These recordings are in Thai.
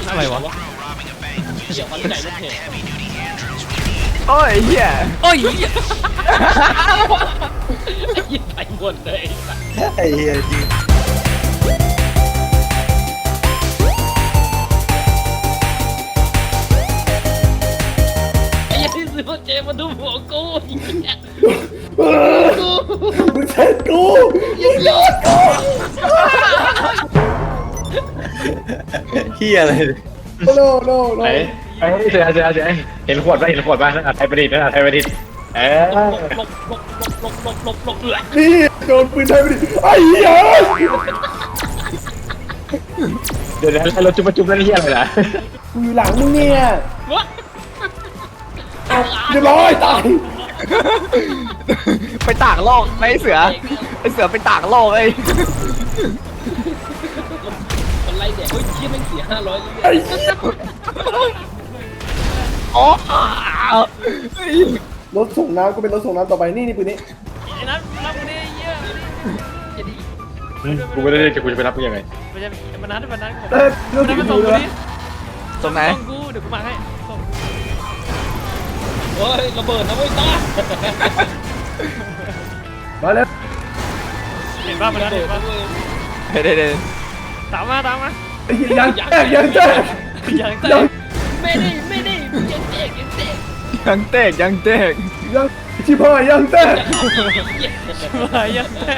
อะไรวะเดี๋ยวมันใหญ่รถเทโอ้ยเหี้ยโอ้ยเหี้ยไอ้ยิงไปหมดเลยไอ้เหี้ยจริงไอ้ยัยที่ซื้อรถเจมาดูหัวกูกูมึงเสร็จกูยิงยอดกูเหี้ยอะไรโน่โน่โน่ไอ้เสือเห็นขวดป่ะนั่นไทยประดิษฐ์หลบเลยนี่โดนปืนไทยไปดิไอ้เหี้ยเดี๋ยวให้รถจุ๊บแล้วนี่อะไรล่ะกูอยู่หลังมึงเนี่ยวะเรียบร้อยตายไปตากโลกไอ้เสือไปตากโลกไอ้มันไล่แดกเฮ้ยเชี่ยแม่งเสีย500เลยไอ้เหี้ยอ๋อรถส่งน้ำก็เป็นรถส่งน้ำต่อไปนี่ปืนนี้ไอ้นัทรับกูดิเหี้ยกูไม่ได้จะกูจะไปรับมึงยังไงมันจะมันนัทรถมันถึงมาส่ดูงกูเลยดิตรงไหนส่งกูเดี๋ยวกูมาให้ส่งเฮ้ยระเบิดนะเว้ยตามาแล้วเห็นป่ะมันนัทเห็นป่ะเด้ตามมาไอ้เหี้ยยังแตกยังแตกยังเตะไม่ได้ยังเตะยังเตกยังชิบหายยังแตกมายังเตะ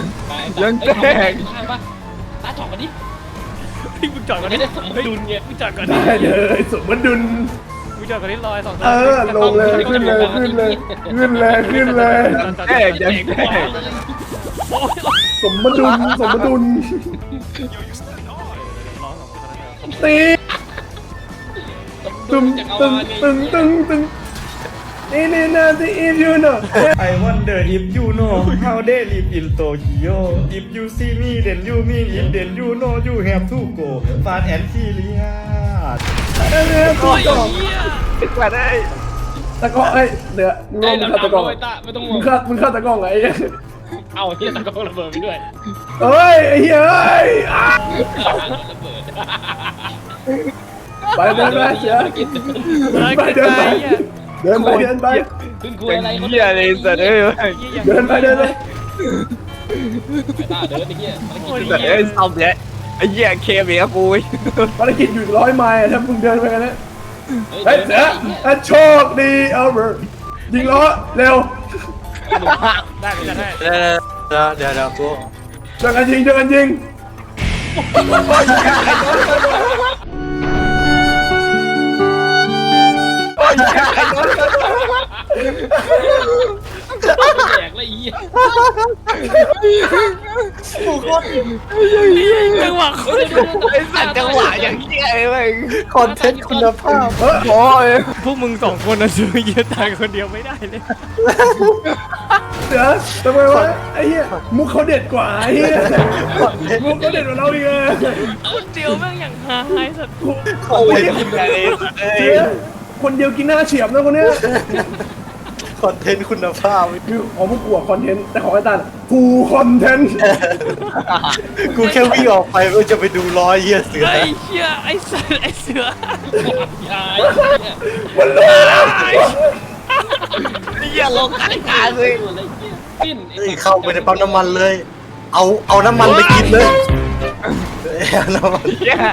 ตาจอดกันดิพี่มึงจอดก่อนไม่ดิได้สมดุลไงมึงจอดก่อนดิได้เลยสมดุลมึงจอดก่อนดิลอย2 เออลงเลยขึ้นเลยขึ้นเลยขึ้นเลยขึ้นเลยเตะยังเตะโอ้ยสมดุลสมดุลตีตึงตึงตึงตึงตึงนี่นะที่อีฟยูโน่ I wonder if you know how they live in Tokyo. If you see me, then you mean it. Then you know you have to go fast and furious. โอ้ยกว่าได้ตะกร้อเอ้ยเดี๋ยวมึงลได้องแล้วฆ่าตะกร้อไม่ตาไม่ต้องงมึงงฆ่าตะกร้อไงเอาที่ตะกร้อระเบิดไปด้วยเฮ้ยไอ้เหี้ยเอ้ยระเบิดไปเดินไปเสียไปเดินไปเดินไปเดินไปคุณคุยอะไรเขาเหี้ยเลยสัตว์เอ้ยเดินไปเดินไปตาเดินไอ้เหี้ยสัตว์เอ้ยซ่อมเนี่ยไอ้เหี้ยเคมีกับกูภารกิจอยู่100 ไมล์ถ้ามึงเดินไปกันนะเฮ้ยเสือโชคดีเอาเบอร์ยิงล้อเร็วได้ไปจะได้เดี๋ยวกูเจอกันยิงแดกเลยไอ้เหี้ยจังหวะคนไอ้สัตว์จังหวะอย่างเหี้ยเลยคอนเทนต์คุณภาพโอ้ยพวกมึง2 คนนะซื้อเยอะตายคนเดียวไม่ได้เลยเสือทำไมวะไอ้เหี้ยมุกเขาเด็ดกว่าไอ้เหี้ยมุกเขาเด็ดกว่าเราอีกเลยคนเดียวแม่งอย่างหายสัตว์โอ้ยเสือคนเดียวกินหน้าเฉียบนะคนเนี้ยคอนเทนต์คุณภาพคือของพวกกูอะคอนเทนต์แต่ของไอ้ตันกูคอนเทนต์กูแค่วิ่งออกไปเพื่อจะไปดูรอยเหี้ยเสือไอ้เหี้ยไอ้สัตว์ไอ้เสือยายมันเลยเหี้ยลงขายการเลยอะไรเหี้ยปิ้นเฮ้ยเข้าไปในปั๊มน้ำมันเลย เอาน้ำมันไปกินเลยเอาน้ำมันเหี้ย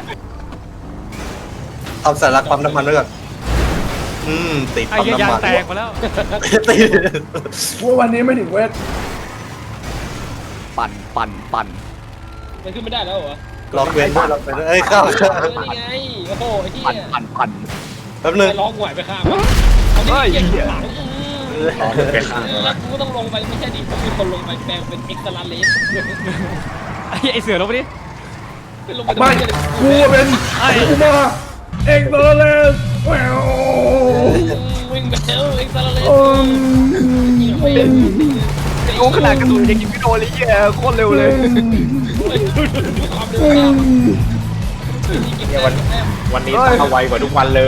เอาสาระปั๊มน้ำมันด้วยก่อนติดไอ้ปั๊มเหี้ยน้ำยางมันแตกมาแล้วติดว่าวันนี้ไม่ถึงเวทปั่นมันขึ้นไม่ได้แล้วเหรอล็อกเว้นด้วยล็อกเว้นด้วยเอ้ยเข้านี่ไงโอ้โหไอ้เหี้ยปั่นแป๊บนึงไปร้องหวยไปข้างเอาดิเหี้ยหลังกูต้องลงไปไม่ใช่ดิมีคนลงไปแปลงเป็นเอ็กซ์ตร้าเลสไอ้เสือลงไปดิลงไปไม่กูเป็นกูมาเอ็กซ์โตเลสแวววิ่งไปแล้วเอ็กซ์ตร้าเลสโอ้ขนาดกระสุนยังยิงไม่โดนเลยเหี้ยโคตรเร็วเลยดูความเร็วตามเนี่ยวันนี้ตาไวกว่าทุกวันเลย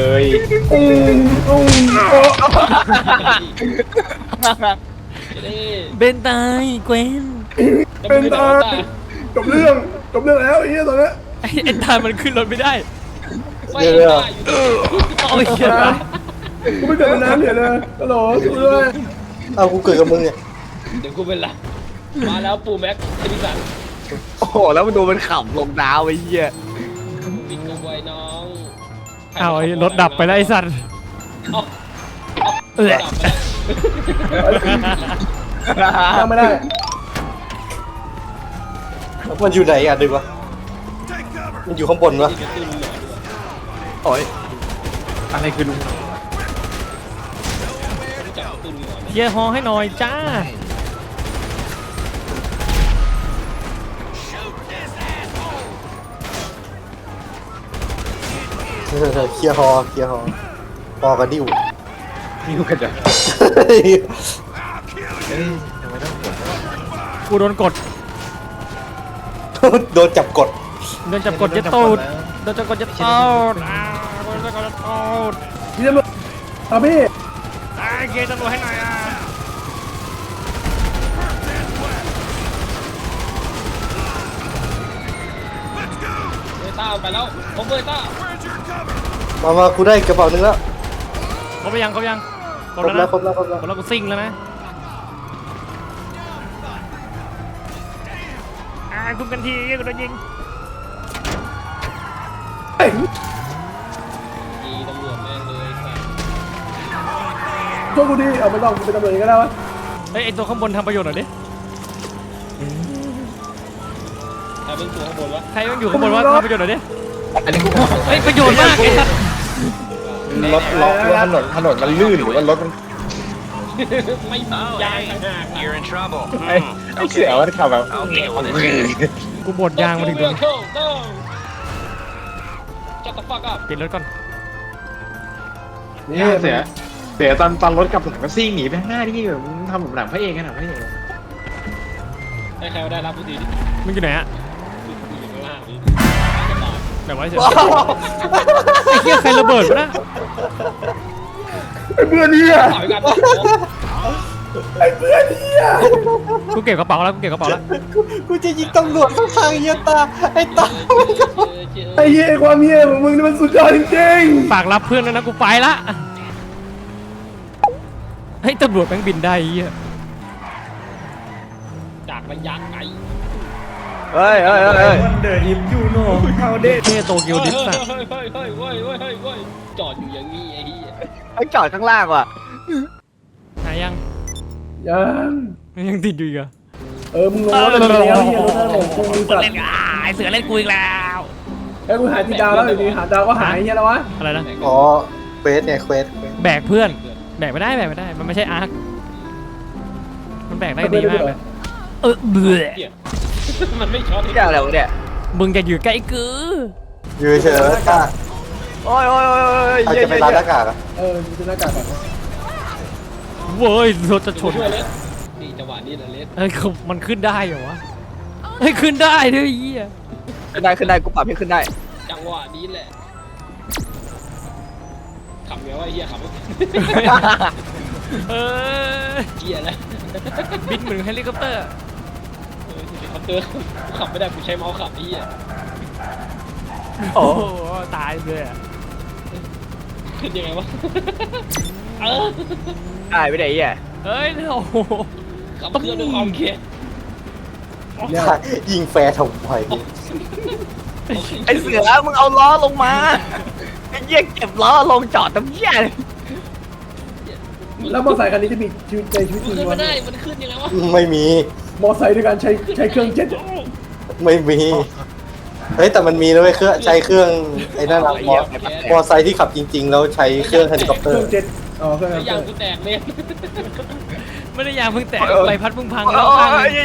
เบนตายเกวนเป็นตาจบเรื่องแล้วไอ้เหี้ยตอนนี้ไอ้ตามันขึ้นรถไม่ได้ไม่ได้อยู่โอ้ยเหี้ยกูไม่เกิดเป็นน้ำเดี๋ยวเลยฮัลโหลช่วยด้วยเอากูเกิดกับมึงเนี่ยเดี๋ยวกูเป็นหลักมาแล้วปูแม็กเอดิสันโอ้โหแล้วมันดูมันขำลงดาวไอ้เหี้ยบินกระบวยน้องเอาไอ้รถดับไปแล้วไอ้สัตว์เอาเออดับไปแล้วทำไม่ได้มันอยู่ไหนอ่ะดึกวะมันอยู่ข้างบนวะนี่กระตุ้นหน่อยด้วยโอ้ยอะไรคือลุงรู้จักกระตุ้นหน่อยไหมเฮียฮอให้หน่อยจ้าเคลียร์ฮอฮอกับดิ้วนี่กูกันจะกูโดนกดโดนจับกดโดนจับกดยัดตูดโดนจับกดยัดตูดโดนจับกดยัดตูดพี่ตำรวจเอาพี่เกย์ตำรวจให้หน่อยอ่ะเบต้าไปแล้วผมเบต้ามากูได้กระเป๋านึงแล้วครบไปยังครบยังครบแล้วครบแล้วครบแล้วกูซิ่งแล้วนะคุ้มกันทีกูโดนยิงเฮ้ยดีตำรวจแม่งเลยครับช่วยกูดิเอาไม่ต้องกูเป็นตำรวจเองก็ได้วะเฮ้ยไอตัวข้างบนทำประโยชน์หน่อยดิใครเป็นตัวข้างบนวะใครต้องอยู่ข้างบนวะทำประโยชน์หน่อยดิอันนี้กูเฮ้ยประโยชน์มากไอ้สัสรถล็อกว่าถนนมันลื่นหรือว่ารถมันไม่มียางต่างหาก You're in trouble. ไอ้เสือมันขับแบบ I'll deal with it. กูบดยางมาถึงตรงนี้จัดตะฟักอัพปิดรถก่อนนี่เสือตอนรถกลับหลังก็ซิ่งหนีไปข้างหน้านี่แบบมึงทำแบบหนังพระเอกกันหนังพระเอกให้ใครมาได้รับผู้ดีดิมึงอยู่ไหนอะอยู่ข้างล่างดิแบบว่าเฉยไอ้เหี้ยใครระเบิดวะนะไอ้เพื่อนเนี่ยต่อยกันไอ้เพื่อนเนี่ยกูเก็บกระเป๋าแล้วกูเก็บกระเป๋าแล้วกูจะยิงตำรวจข้างๆเหี้ยตาไอ้ตาไอ้เหี้ยความเหี้ยของมึงนี่มันสุดยอดจริงฝากรับเพื่อนด้วยนะกูไปละเฮ้ยตำรวจแม่งบินได้ไอ้เหี้ยจากระยะไกลเฮ้ยวันเดอร์อิฟยูโน่เฮาเดเท่โตเกียวดิสอะเฮ้ยจอดอยู่อย่างนี้ไอ้เหี้ยไอ้จอดข้างล่างว่ะหายังๆยังมันยังติดอยู่อีกเหรอมึงลงรถเลยแล้วเหี้ยรถนั่นของกูสัตว์ไอเสือเล่นกูอีกแล้วไอ้กูหายที่ดาวแล้วอยู่ดีหาดาวก็หายเหี้ยแล้ววะอะไรนะอ๋อเควสเนี่ยเควสแบกเพื่อนแบกไม่ได้มันไม่ใช่อาร์คมันแบกได้ดีมากเลยเบื่อเหี้ยมันไม่ช็อตที่อะไรวะเนี่ยมึงจะอยู่ใกล้กูอยู่เฉยๆแล้วตาโอ้ยใครจะไปร้านหน้ากากอ่ะมึงจะหน้ากากก่อนเว้ยรถจะชนช่วยเล็ดนี่จังหวะนี้แหละเล็ดเฮ้ยมันขึ้นได้เหรอวะเฮ้ยขึ้นได้ด้วยไอ้เหี้ยขึ้นได้กูปรับให้ขึ้นได้จังหวะนี้แหละขับไงวะไอ้เหี้ยขับไม่เออเหี้ยแล้วบินเหมือนเฮลิคอปเตอร์เขาเตือนขับไม่ได้กูใช้เมาส์ขับไอ้เหี้ยโอ้โหตายเลยอะขึ้นยังไงวะได้ไม่ได้อ่ะเฮ้ยโอ้โหขับเครื่องด้วยความเข็ดเนี่ยยิงแฟร์ทำไมไอ้เสือมึงเอาล้อลงมาไอ้เหี้ยเก็บล้อลงจอดตรงเหี้ยแล้วมอเตอร์ไซค์คันนี้จะมีชีวิตในชีวิตจริงขึ้นวะไม่ได้มันขึ้นยังไงวะไม่มีมอเตอร์ไซค์ด้วยการใช้เครื่องเจ็ตไม่มีเฮ้ยแต่มันมีนะเว้ยใช้เครื่องไอ้นั่นอะมอไซค์ที่ขับจริงๆแล้วใช้เครื่องเฮลิคอปเตอเครื่ร์องเจ็ตเครื่องไอ้เจ็ยางตกูแตกเลยไม่ได้ยางเพิ่งแตกใบพัดเพิ่งพังแล้วข้างนึง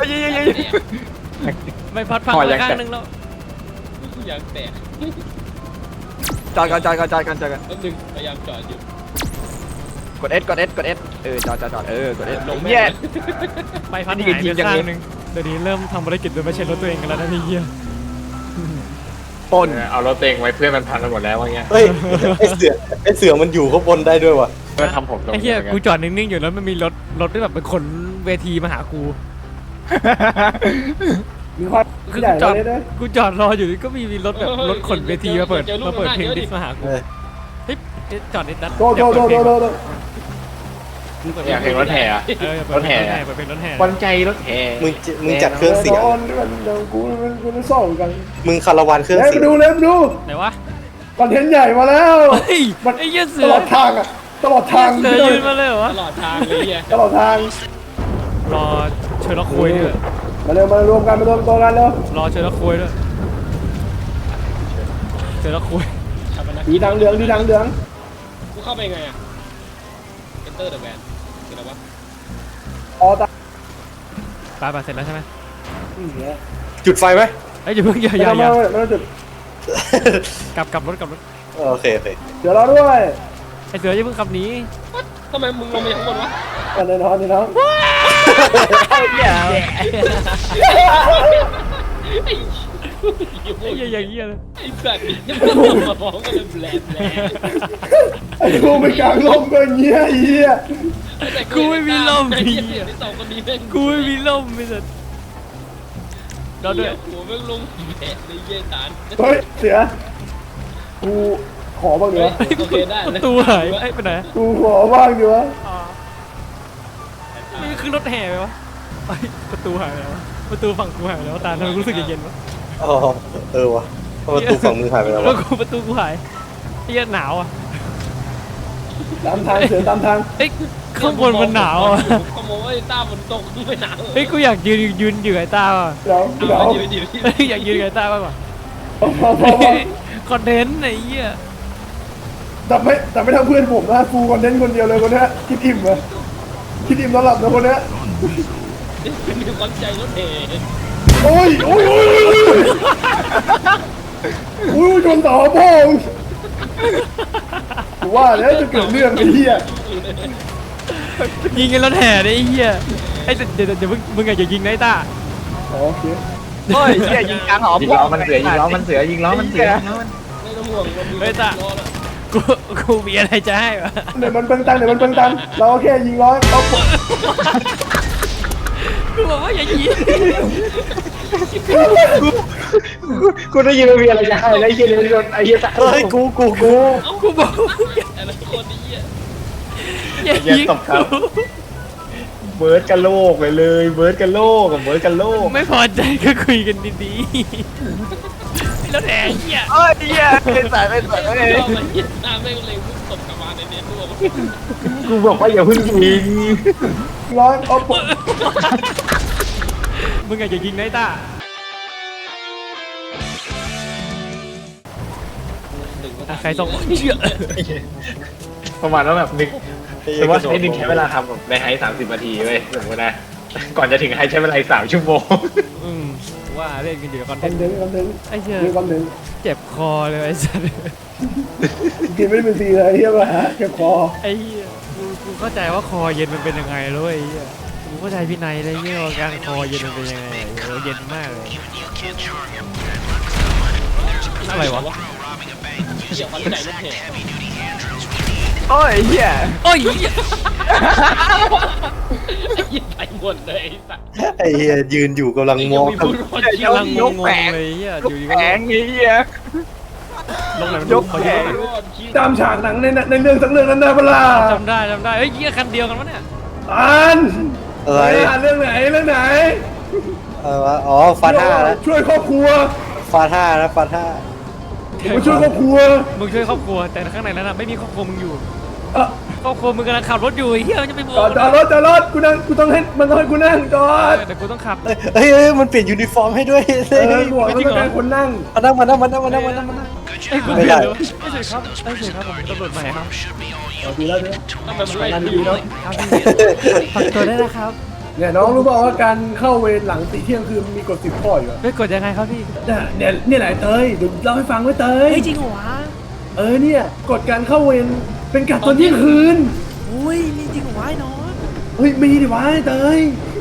ใบพัดพังแล้วข้างนึงแล้วกูยางแตกจอดกันแป๊บนึงพยายามจอดอยู่กด S จอดกด S ลงเหี้ยใบพัดหายไปข้างนึงเดี๋ยวนี้เริ่มทำภารกิจโดยไม่ใช่รถตัวเองกันแล้วนะพี่เหี้ยปนเอารถเต็งไว้เพื่อนมันพังกันหมดแล้วว่าเงี้ยเฮ้ยไอเสือมันอยู่ข้างบนได้ด้วยว่ะเพื่อนทำผมตรงไอ้เหี้ยกูจอดนิ่งๆอยู่แล้วมันมีรถที่แบบเป็นขนเวทีมาหากูมีความคือใหญ่กูจอดเลยนะกูจอดรออยู่นี่ก็มีรถแบบรถขนเวทีมาเปิดเพลงดิสมาหากูเฮ้ยจอดนิดนัดโดโดโดโดโดโดอยากเห็นรถแห่อะเปิดเพลงเปิดเพลงรถแห่วันใจรถแห่มึงจัดเครื่องเสียงกูจะซ่อมกันมึงคาราวานเครื่องเล่นเสีไปยงดูเล่นไปดูไหนวะคอนเทนต์ใหญ่มาแล้วเฮ้ยมันไอ้เหี้ยเสืตอลอดทางอ่ะตลอดทางเสือยืนมาเลยเหรอตวะลอดทางเลยเฮียตลอดทางรอเชิญละคุยด้วยมาเร็วมารวมกันมารวมตัวกันเร็วรอเชิญละคุยด้วยเชิญละคุยชาปนดีทางเหลืองดีทางเหลืองกูเข้าไปไงอ่ะ Enter the van คืออะไรวะออตาไปเสร็จแล้วใช่ไหมจุดไฟไหมเอ้ยอย่าเพิ่งอย่าไม่อย่าต้องอย่าไม่ต้องจุดกลับรถโอเคโอเคเดี๋ยวเราด้วยไอ้เสืออย่าเพิ่งขับหนีทำไมมึงลงไปข้างบนวะกันเลยน้องนี่น้องไอ้ไอ้เหี้ยอย่างเงี้ยเลยไอ้สัตว์นี่มันมาฟ้องกันเลยแบลแบลไอ้กูไม่กลางลมก็เงี้ยไอ้เหี้ยกูไม่มีลมไอ้พี่เหี้ยไอ้สองคนนี้แม่งกูไม่มีลมไม่สัตว์เราด้วยหัวแม่งลงแผลเลยเยี่ยตานเฮ้ยเสือกูขอบ้างเดี๋ยวโอเคได้ประตูหายไอ้ไปไหนกูขอบ้างเดี๋ยวนี่คือรถแห่ไปวะไอ้ประตูหายไปแล้วประตูฝั่งกูหายไปแล้วตาทำไมรู้สึกเย็นๆวะอ๋อเออวะประตูฝั่งมึงหายไปแล้วแล้ววะกูประตูกูหายไอ้เหี้ยหนาวอ่ะตามทางเสือตามทางเอ้ยข้างบนมันหนาวอ่ะขโมยต้าบนตกไม่หนาวเฮ้ยกูอยากยืนอยู่ไอ้ต้าว่ะเดี๋ยวเดี๋ยวเอาเดี๋ยวเฮ้ยอยากยืนกับไอ้ต้าบ้างว่ะพอคอนเทนต์ไอ้เหี้ยแต่ไม่ทำเพื่อนผมนะฟูคอนเทนต์คนเดียวเลยคนเนี้ยคิดอิ่มเลยคิดอิ่มนอนหลับนะคนเนี้ยมีความใจรถเหโอ้ยโอ้ยโอ้ยโอ้ยโอ้ยชนต่อพ่อกูว่าแล้วจะเกิดเรื่องไอ้เหี้ยยิงกันรถแห่ดิไอ้เหี้ยไอ้เดี๋ยวมึงอย่ายิงนะไอ้ต้าอ๋อโอเคเฮ้ยเหี้ยยิงกลางหอยิงล้อมันเสือยิงล้อมันเสือยิงล้อมันเสือไม่ต้องห่วงเฮ้ยต้ากูมีอะไรจะให้วะเดี๋ยวมันเปิงตังเราก็แค่ยิงร้อยเอาปุ๊บกูบอกว่าอย่ายิงกูได้ยินว่ามีอะไรจะให้แล้วไอ้เหี้ยเลยโดนไอ้เหี้ยสัตว์เฮ้ยกูกูบอกอะไรคนนี้อย่ายิงกูเบิร์ดกันโลกเลยเบิร์ดกันโลกกับเบิร์ดกันโลกไม่พอใจก็คุยกันดีๆไอ้รถแห่เหี้ยเอ้ยเหี้ยเป็นสายเป็นสายไม่ยอมเหี้ยหน้าไม่เลยพุ่งตบกลับมาในเน็ตด้วยกูบอกว่าอย่าเพิ่งยิงร้อยเอาปุ๊บมึงอย่ายิงนะไอ้ต้า ใครส่งเชื่อประมาณว่าแบบนึกสมมติว่าให้นึงใช้เวลาทำแบบในไฮ30 นาทีเว้ยสมมตินะก่อนจะถึงไฮใช้เวลา3 ชั่วโมงว่าเล่นกันอยู่กับคอนเทคอน นต์เทนต์คอนเทนต์ไอ้เชี่ยมีคอนเทนต์เจ็บคอเลยไอ้สัสกินไม่ได้เป็นซีเลยเฮียมาฮะเก็บคอไอ้เหี้ยกูเข้าใจว่าคอเย็นมันเป็นยังไงแล้วไอ้เหี้ยกูเข้าใจพี่นายเลยเหี้ยว่าการคอเย็นมันเป็นยังไงโอ้เย็นมากเลยอะไรวะเกี่ยวกับใจรถเหโอ้ยเหี้ยโอ้ยเหี้ยยิงไปหมดเลยสัตว์ไอ้เหี้ยยืนอยู่กำลังมองมีผู้รอดชีกำลังวิตงงๆเลยเหี้ยอยู่ดีก็แข็งไอ้เหี้ยลงไหนมันยกขอแขยกนหน่อยรอดชีวิตตามฉากหนังในเรื่องสักเรื่องนั้นได้ปะล่ะจำได้เฮ้ยเหี้ยคันเดียวกันวะเนี่ยอ่านอะไรเรื่องไหนเรื่องไหนวะอ๋อฟาท่านะช่วยครอบครัวฟาท่านะฟาท่ามาช่วยครอบครัวมึงช่วยครอบครัวแต่ข้างในนั้นน่ะไม่มีครอบครัวมึงอยู่เออครอบครัวมึงกำลังขับรถอยู่ไอ้เหี้ยมันจะไปโบจอดรถกูนั่งกูต้องให้มันต้องให้กูนั่งจอดแต่กูต้องขับเฮ้ยมันเปลี่ยนยูนิฟอร์มให้ด้วยหมวกมันต้องการคนนั่งมานั่งไอ้กูไม่เปลี่ยได้นเลยวะไม่ใช่ครับไม่ใช่ครับผมเป็นตำรวจใหม่ครับดีแล้วเนี่ยทำไมมันไล่นั่นดีดีแล้วครับพี่ฝากตัวได้วยนะครับเนี่ยน้องรู้เปล่าว่าการเข้าเวรหลังตีเที่ยงคืนมีกฎ10 ข้ออยู่อะไม่กดยังไงครับพี่เนี่ยแหละเตยเดี๋ยวเล่าให้ฟังไว้เตยเฮ้ยจริงเหรอวะเนี่ยกฎการเข้าเวรเป็นกะตอนเที่ยงคืนอุ้ยมีจริงเหรอวะไอ้น้องเฮ้ยมีดิวะไอ้เตย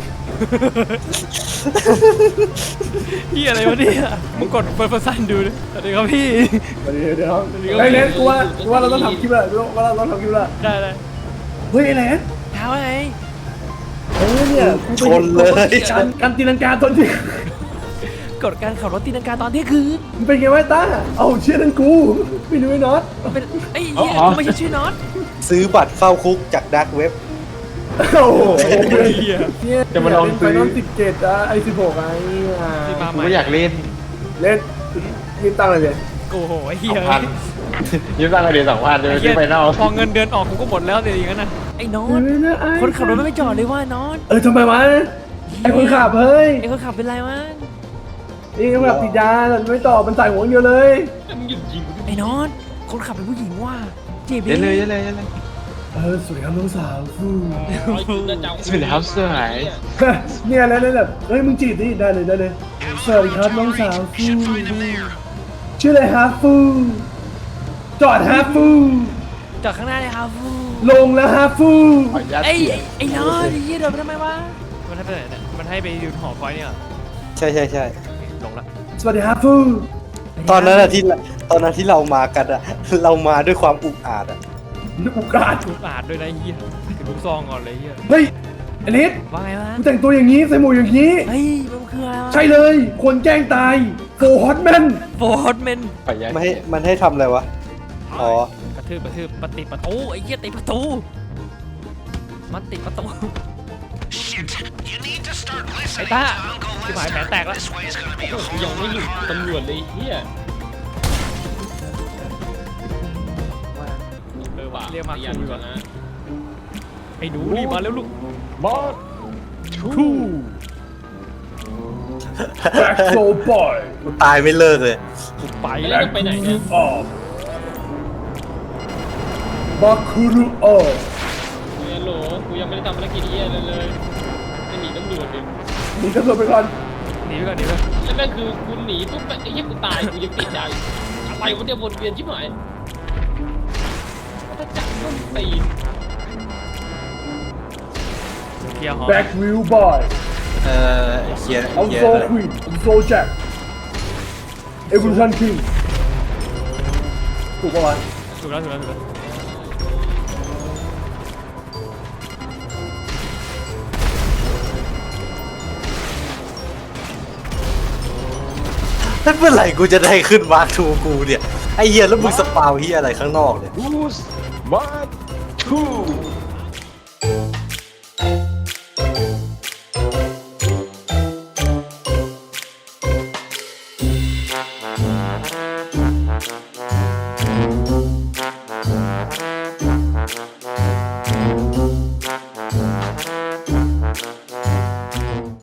พี่อะไรวะเนี่ยมึงกดเปิดสั้นดูดิสวัสดีครับพี่เดี๋ยวไอ้เน็ตกูว่าเราต้องทำคลิปแล้วว่าเราต้องทำคลิปแล้วได้เลยเฮ้ยไอ้เน็ตถามว่าไงเนี่ยกูไปชนเลยการตีลังกาตอนที่กฎการขับรถตีลังกาตอนเที่ยงคืนมันเป็นไงวะต้าเอาเชื่อนั่นกูไม่รู้ไอ้น็อตมันเป็นไอ้เหี้ยกูไม่ใช่ชื่อน็อตซื้อบัตรเข้าคุกจากดักเว็บโอ้โหเหี้ยเนี่ยจะมาลองซื้อไฟนอล17อะไอ16ไอ้ที่มากูใหม่ก็อยากเล่นเล่นยืมตังค์เลยเลยโอ้โหไอ้เหี้ย 2,000ยืมตังค์กันเดือน2,000จะไปซื้อไฟนอลพอเงินเดือนออกกูก็หมดแล้วเดี๋ยวอย่างนั้นนะไอ้น็อตคนขับรถไม่จอดเลยว่าน็อตทำไมวะไอคนขับเฮ้ยไอ้คนขับเป็นไรวะนี่คนขับติดยาไม่ตอบมันใส่หัวอย่างเดียวเลยมึงหยุดยิงกูดิไอ้น็อตคนขับเป็นผู้หญิงว่ะเจ็บเล่นเลยดิเล่นเลยเล่นเลยสวัสดีครับน้องสาวฟูร้อยจุดนะเจ้าสวัสดีครับสวยเนี่ยแล้วแบบเฮ้ยมึงจีบดิได้เลยได้เลยสวัสดีครับน้องสาวฟูชื่ออะไรฮะฟูจอดฮะฟูจอดข้างหน้าเลยครับฟูลงแล้วฮะฟูขออนุญาตไอ้น็อตไอ้เหี้ยเดินไปทำไมวะมันให้ไปไหนเนี่ยมันให้ไปยืนหอคอยเนี่ยใช่ใช่ใช่ลงละสวัสดีฮะฟูตอนนั้นที่เรามากันอะเรามาด้วยความอุกอาจอะนึกอุกาสลูกอาดด้วยนะไอ้เหี้ยถือลูกซองก่อนเลยไอ้เหี้ยเฮ้ยอลิสว่าไงวะกูแต่งตัวอย่างนี้ใส่หมวกอย่างนี้เฮ้ยมันคืออะไรวะใช่เลย คนแกล้งตายโฟฮอตแมนโฟร์ดเมนขออนุญาตมันให้ทำอะไรวะ อ๋อกระทืบปฏิประตูไอ้เหี้ยติดประตูมันติดประตูไอ้ต้าที่หมายแผลแตกแล้วโอ้โหยังไม่หยุดตำรวจเลยเฮียว่ะเรียกมายันคุยก่ก่ออน นนะนะไอ้หนูรีบมาแล้วลูกบอสทูแบ็คโซบอยกูตายไม่เลิกเลยไปไปแล้แล้ว วไปไหนเนี่ยออกบัคคูรุออกฮัลโหลกูยังไม่ได้ทำภารกิจเฮียเลยจะหนีตำรวจดิหนีตำรวจไปก่อนหนีไปก่อนหนีไปก่อนแล้วแม่งคือกูหนีปุ๊บไอ้เหี้ยกูตายกูยังติดใจอะไรวะเนี่ยวนเวียนชิบหายถ้าจับต้นตีนเคลียร์หอแบ็ควิวบอยเฮียเอาโซควีนเอาโซแจ็คเอเวอร์ชันคิงถูกปะวะถูกแล้วถูกแล้วถูกแล้วถ้าเมื่อไหร่กูจะได้ขึ้นมาร์คทูกูเนี่ย ไอเฮียแล้วมึงสปาวเฮียอะไรข้างนอกเนี่ยบูสบอสทู